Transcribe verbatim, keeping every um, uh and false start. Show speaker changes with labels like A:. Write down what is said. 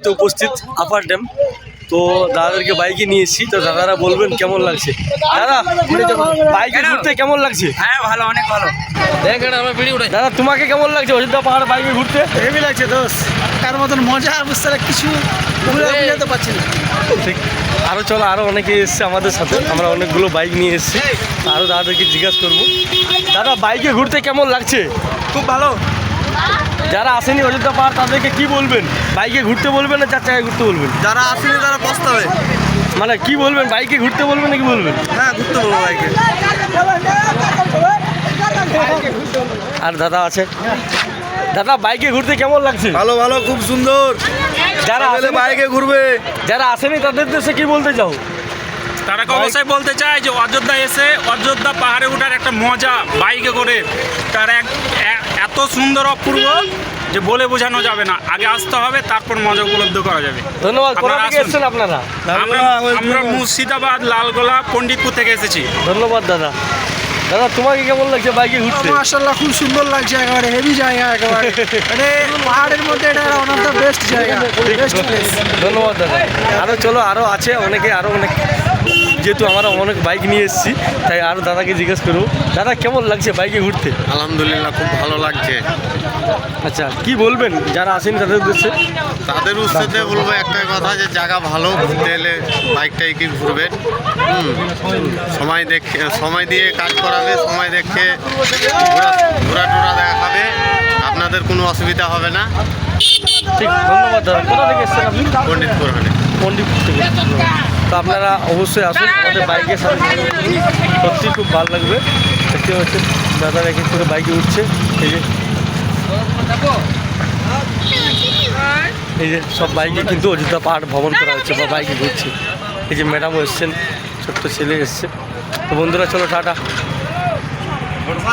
A: মুহূর্তে উপস্থিত upper dam. তো দাদাদেরকে বাইকে নিয়ে এসেছি, তো দাদারা বলবেন কেমন লাগছে। দাদা বাইকে ঘুরতে কেমন লাগছে?
B: হ্যাঁ ভালো, অনেক ভালো।
A: দাদা তোমাকে কেমন লাগছে অযোধ্যা পাহাড় বাইকে ঘুরতে?
C: হেভি লাগছে দোষ, তার মতন মজা বুঝতে কিছু বুঝাতে পারছি না।
A: ঠিক, আরও চলো, আরও অনেকে এসছে আমাদের সাথে, আমরা অনেকগুলো বাইক নিয়ে এসেছি, আরও দাদাদেরকে জিজ্ঞাসা করবো। দাদা বাইকে ঘুরতে কেমন লাগছে?
C: খুব ভালো।
A: যারা আসেনি অযোধ্যা পাহাড় তাদেরকে কি বলবেন? বাইকে ঘুরতে বলবেন না চার চাকায় ঘুরতে বলবেন?
C: যারা আসেনি তারা পস্তাবে।
A: মানে কি বলবেন, বাইকে ঘুরতে বলবেন নাকি বলবেন?
C: হ্যাঁ ঘুরতে বলবো বাইকে।
A: আর দাদা আছে, দাদা বাইকে ঘুরতে কেমন লাগছে?
C: ভালো ভালো, খুব সুন্দর।
A: যারা আসেনি-
C: বাইকে ঘুরবে,
A: যারা আসেনি তাদের দেশে কি বলতে চাও?
B: তারা অবশ্যই বলতে চায় যে অযোধ্যা এসে অযোধ্যা পাহাড়ে ওঠার একটা মজা বাইকে করে, তার এক এ- এত সুন্দর অপূর্ব যে বলে বোঝানো যাবে না। আগে আসতে হবে, তারপর মজা উপলব্ধ করা যাবে।
A: ধন্যবাদ। কোথা
B: আপনারা
A: থেকে
B: আসুন।
A: এসেছেন আপনারা?
B: আমরা আমরা মুর্শিদাবাদ, লালগোলা, পণ্ডিতপুর থেকে এসেছি।
A: ধন্যবাদ দাদা। দাদা তোমাকে কেমন লাগছে বাইকে ঘুরতে?
C: মাশাআল্লাহ খুব সুন্দর লাগছে, একেবারে হেভি জায়গা, একেবারে মানে পাহাড়ের মধ্যে এটা ওয়ান অফ দ্য বেস্ট জায়গা, বেস্ট প্লেস।
A: ধন্যবাদ দাদা। আরও চলো, আরও আছে অনেকে, আরও অনেক, যেহেতু আমরা অনেক বাইক নিয়ে এসেছি তাই আরও দাদাকে জিজ্ঞেস করবো। দাদা কেমন লাগছে বাইকে ঘুরতে?
D: আলহামদুলিল্লাহ, খুব ভালো লাগছে।
A: আচ্ছা, কি বলবেন যারা আসেনি তাদের উদ্দেশ্যে?
D: তাদের উৎসাহে বলবো একটাই কথা, যে জায়গা ভালো, ঘুরতে এলে বাইকটাই কি ঘুরবেন। হুম, সময় দেখে, সময় দিয়ে কাজ করাবে, সময় দেখে ঘোরা ঘোরা টোরা দেখাবে, আপনাদের কোনো অসুবিধা হবে না।
A: ঠিক, ধন্যবাদ দাদা। কোথা থেকে এসেছেন আপনি?
D: পণ্ডিতপুর হলে
A: পণ্ডিতপুর থেকে। তো আপনারা অবশ্যই আসুন আমাদের বাইকের সাথে, সত্যি খুব ভালো লাগবে। দেখতে পাচ্ছেন দাদারা এক এক করে বাইকে উঠছে। এই যে এই যে সব বাইকে কিন্তু অযোধ্যা পাহাড় ভ্রমণ করা হচ্ছে বা বাইকে ঘুরছে। এই যে ম্যাডামও এসছেন, ছোট্ট ছেলে এসছে। তো বন্ধুরা চলো টাটা।